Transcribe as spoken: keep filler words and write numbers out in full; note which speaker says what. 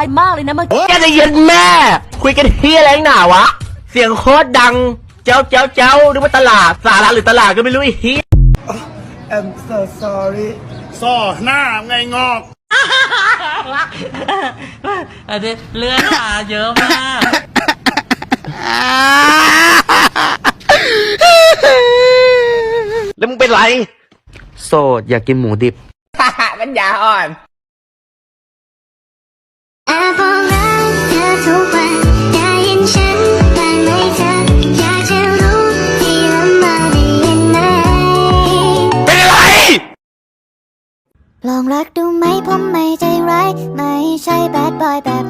Speaker 1: ายมากเลยนะเมื่อกี้
Speaker 2: แกจะเย็นแม่คุยกันเฮียอะไรหนาวะเสียงโคตรดังเจ้าเจ้าเจ้านึกว่าตลาดสาระหรือตลาดก็ไม่รู้ไอ้เฮีย
Speaker 3: I'm so sorry
Speaker 4: ซ่อหน้าไงงอก
Speaker 5: อันนี้เลือดมาเยอะมาก
Speaker 2: แล้วมึงเป็นไรโสดอยากกินหมูดิบ
Speaker 3: ปัญญาอ่อน
Speaker 6: แอบบอกรักเธอทุกวันได้ยินฉันบ้างไหมเธออยากจะรู้ที่ลำบากได้ยินไหม
Speaker 2: เป็นอะไร
Speaker 6: ลองรักดูไหมผมไม่ใจร้ายไม่ใช่แบดบอยแบบ